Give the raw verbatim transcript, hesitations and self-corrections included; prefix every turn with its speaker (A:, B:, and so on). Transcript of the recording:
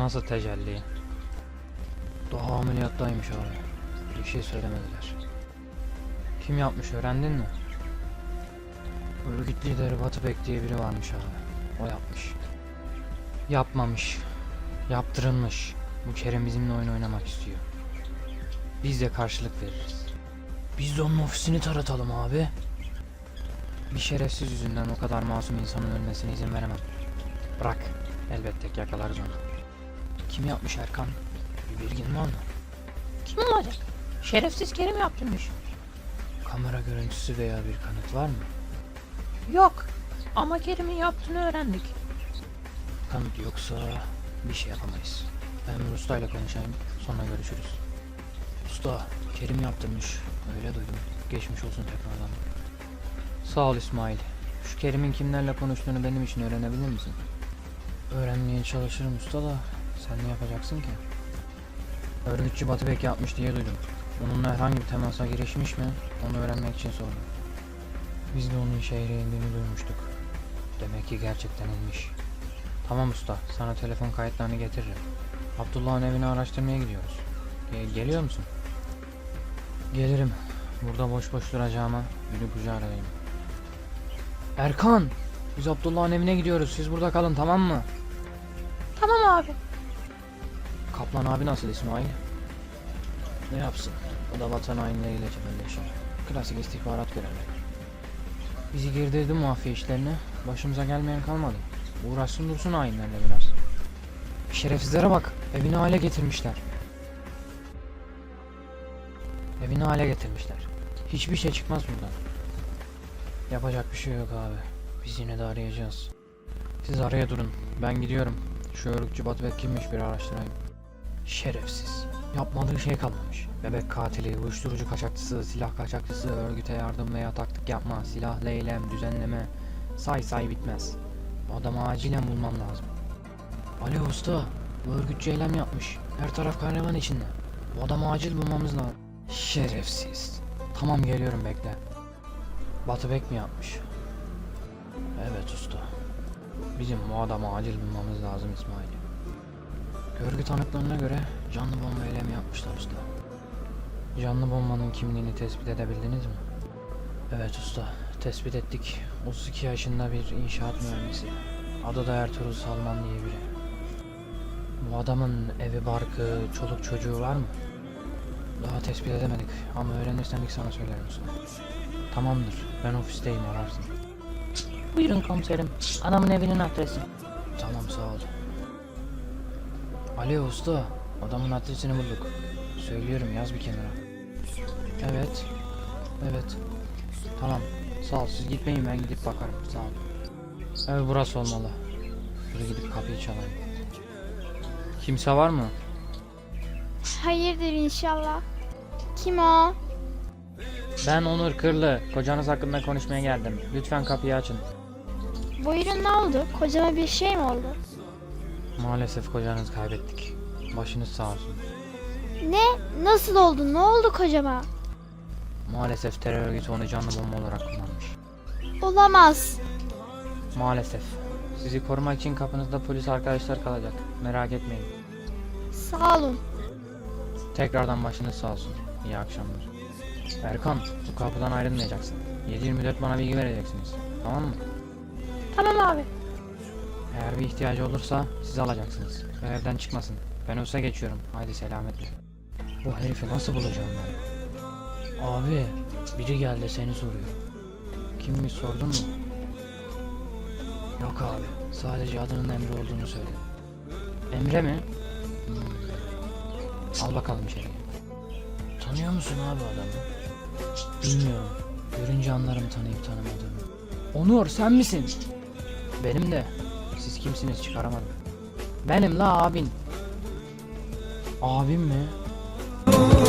A: nasıl tecelli? Daha ameliyattaymış abi. Bir şey söylemediler. Kim yapmış öğrendin mi? Örgüt lideri Batıbek diye biri varmış abi. O yapmış. Yapmamış. Yaptırılmış. Bu Kerem bizimle oyun oynamak istiyor. Biz de karşılık veririz. Biz de onun ofisini taratalım abi. Bir şerefsiz yüzünden o kadar masum insanın ölmesine izin veremem. Bırak. Elbette yakalarız onu. Kim yapmış Erkan? Bir bilgin var mı?
B: Kim olacak? Şerefsiz Kerim yaptırmış.
A: Kamera görüntüsü veya bir kanıt var mı?
B: Yok. Ama Kerim'in yaptığını öğrendik.
A: Kanıt yoksa bir şey yapamayız. Ben ustayla konuşayım, sonra görüşürüz. Usta, Kerim yaptırmış. Öyle duydum. Geçmiş olsun tekrardan. Sağ ol İsmail. Şu Kerim'in kimlerle konuştuğunu benim için öğrenebilir misin? Öğrenmeye çalışırım usta da sen ne yapacaksın ki? Örgütçü Batıbek yapmış diye duydum. Onunla herhangi bir temasa girişmiş mi? Onu öğrenmek için sordum. Biz de onun şehre indiğini duymuştuk. Demek ki gerçekten inmiş. Tamam usta, sana telefon kayıtlarını getiririm. Abdullah'ın evini araştırmaya gidiyoruz. Ge- geliyor musun? Gelirim. Burada boş boş duracağıma gülü kucağı arayayım. Erkan! Biz Abdullah'ın evine gidiyoruz. Siz burada kalın, tamam mı?
B: Tamam abi.
A: Kaplan abi nasıl İsmail? Ne yapsın? O da vatan hainleriyle cebelleşiyor. Klasik istihbarat görevleri. Bizi girdirdi mafya işlerine. Başımıza gelmeyen kalmadı. Uğraşsın dursun hainlerle biraz. Şerefsizlere bak. Evini hale getirmişler. Evini hale getirmişler. Hiçbir şey çıkmaz buradan. Yapacak bir şey yok abi. Biz yine de arayacağız. Siz araya durun. Ben gidiyorum. Şu örgütçü Batıbek kimmiş bir araştırayım. Şerefsiz. Yapmadığı şey kalmamış. Bebek katili, uyuşturucu kaçakçısı, silah kaçakçısı, örgüte yardım veya taktik yapma, silahlı eylem, düzenleme. Say say bitmez. Bu adamı acilen bulmam lazım. Ali usta, bu örgütçü eylem yapmış. Her taraf kahraman içinde. Bu adamı acil bulmamız lazım. Şerefsiz. Tamam geliyorum bekle. Batıbek mi yapmış? Evet usta. Bizim bu adamı acil bulmamız lazım İsmail. Görgü tanıklarına göre canlı bomba eylemi yapmışlar usta. Canlı bombanın kimliğini tespit edebildiniz mi? Evet usta, tespit ettik. otuz iki yaşında bir inşaat mühendisi. Adı da Ertuğrul Salman diye biri. Bu adamın evi, barkı, çoluk çocuğu var mı? Daha tespit edemedik ama öğrenirsem ilk sana söylerim usta. Tamamdır, ben ofisteyim, ararsın.
B: Buyurun komiserim. Adamın evinin adresi.
A: Tamam sağ ol. Ali usta, adamın adresini bulduk. Söylüyorum, yaz bir kenara. Evet. Evet. Tamam. Sağ ol, siz gitmeyin, ben gidip bakarım. Sağ ol. Evet, burası olmalı. Şuraya gidip kapıyı çalayım. Kimse var mı?
C: Hayırdır inşallah. Kim o?
A: Ben Onur Kırlı. Kocanız hakkında konuşmaya geldim. Lütfen kapıyı açın.
C: Buyurun, ne oldu? Kocama bir şey mi oldu?
A: Maalesef kocanızı kaybettik. Başınız sağ olsun.
C: Ne? Nasıl oldu? Ne oldu kocama?
A: Maalesef terör örgütü onu canlı bomba olarak kullanmış.
C: Olamaz.
A: Maalesef. Sizi korumak için kapınızda polis arkadaşlar kalacak. Merak etmeyin.
C: Sağ olun.
A: Tekrardan başınız sağ olsun. İyi akşamlar. Erkan, bu kapıdan ayrılmayacaksın. yedi yirmi dört bana bilgi vereceksiniz. Tamam mı?
C: Tamam abi.
A: Eğer bir ihtiyacı olursa sizi alacaksınız. Ve evden çıkmasın. Ben olsa geçiyorum. Haydi selametle. Bu herifi nasıl bulacağım ben? Abi, biri geldi seni soruyor. Kimmiş sordun mu? Yok abi. Sadece adının Emre olduğunu söyledi. Emre mi? Hmm. Al bakalım içeriye. Tanıyor musun abi adamı? Bilmiyorum. Görünce anlarım tanıyıp tanımadığımı. Onur sen misin? Benim de. Siz kimsiniz çıkaramadım. Benim la abin. Abim mi?